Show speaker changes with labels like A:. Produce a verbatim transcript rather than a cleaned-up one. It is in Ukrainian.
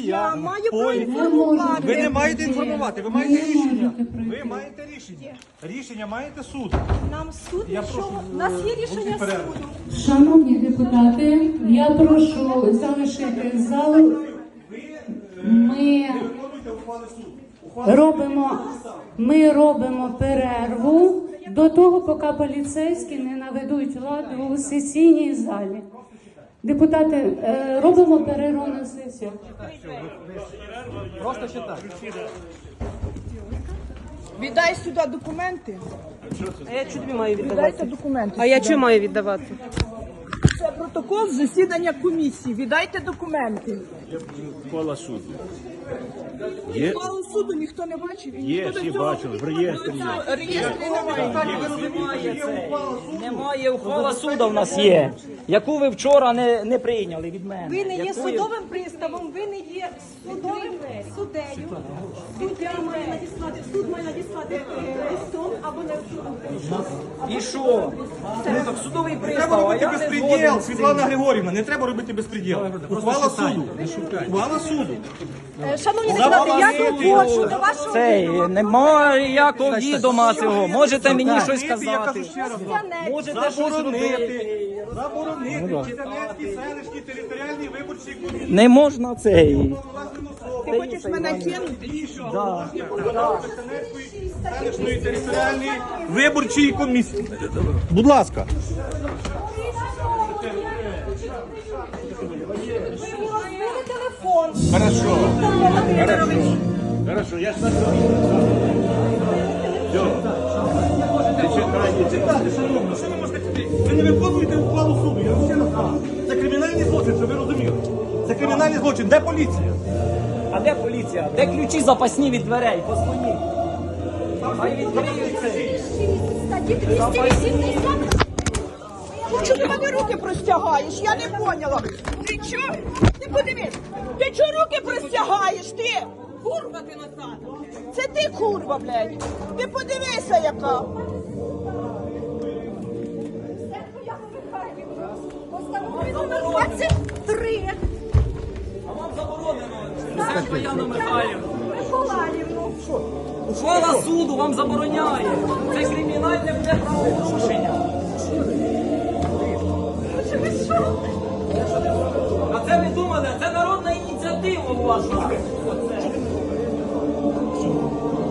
A: Я маю право
B: Ой,
A: інформувати.
B: ви не маєте інформувати, ви маєте рішення. Ви маєте рішення. Рішення маєте суд.
A: Нам суд
B: Я
A: нічого.
B: прошу,
A: У нас є
B: е,
A: рішення
B: перерву.
A: суду.
C: Шановні депутати, я прошу залишити зал. Ми
B: Виконуйте ухвали суду. Ухвали
C: робимо, ми робимо перерву до того, поки поліцейські не наведуть лад у сесійній залі. Депутати, е, робимо перерву на сесію.
B: Просто читай.
A: Віддай сюди документи.
D: А я чого тобі маю
A: Віддайте
D: віддавати?
A: документи.
D: А я
A: сюди.
D: чого маю віддавати?
A: Це протокол засідання комісії. Віддайте документи.
E: Ухвала суду. Є,
A: Ухвалу суду ніхто не бачив. і
E: є,
A: ніхто до
E: всі
A: цього
E: бачили, в реєстрі є.
A: реєстрі немає.
F: Немає ухвала суду в нас є, яку ви вчора не, не прийняли від мене.
G: Ви не є
F: Яку
G: судовим приставом, ви не є судовим суддею. Суддя має надіслати, суд має надіслати е, листом або не судом.
F: І що? Ну так судовий
B: Треба
F: пристав, а
B: робити
F: я не
B: безпреділ,
F: згоден з
B: Світлана
F: цим.
B: Григорівна, не треба робити безпреділ. Ухвала суду. Ухвала суду.
G: Е, Шановні депутати, я доводжу до вашого
F: Цей,
G: відома.
F: немає ніякого відома цього. Можете мені щось
B: Я кажу
F: сказати.
B: ще раз.
G: Конституціонер.
F: Можете щось
B: Заборонити,
F: робити.
B: заборонити Чернецькій селищній територіальній виборчій комісії.
F: Не можна цей.
A: Ти хочеш мене кинути?
B: Селищної територіальної виборчої комісії. Будь ласка.
G: Розбили телефон.
E: Хорошо.
G: Віктор Володимирович.
E: Хорошо, я ж на все. Не чекай, не чекай.
B: Шановні, що ви можете сказати? Ви не виконуєте ухвалу суду, я вам ще раз кажу. Це кримінальний злочин, щоб ви розуміли. Це кримінальний злочин. Де поліція?
F: А де поліція? Де ключі запасні від дверей? Позвоніть. Хай відкриють цей.
G: Статті двісті вісімдесят.
A: Чого ти мене руки простягаєш? Я не поняла. Ти чого? Ти подивись. Ти чого руки простягаєш? Ти? Курва ти назад. Це ти курва, блядь. Ти подивися, яка.
G: Постанови номер двадцять три.
F: А вам заборонено. Це Яна Михайлівна.
G: Миколаївну.
F: Ухвала суду вам забороняє. Це кримінальне буде правопорушення. А це ви думали, це народна ініціатива ваша. Оце.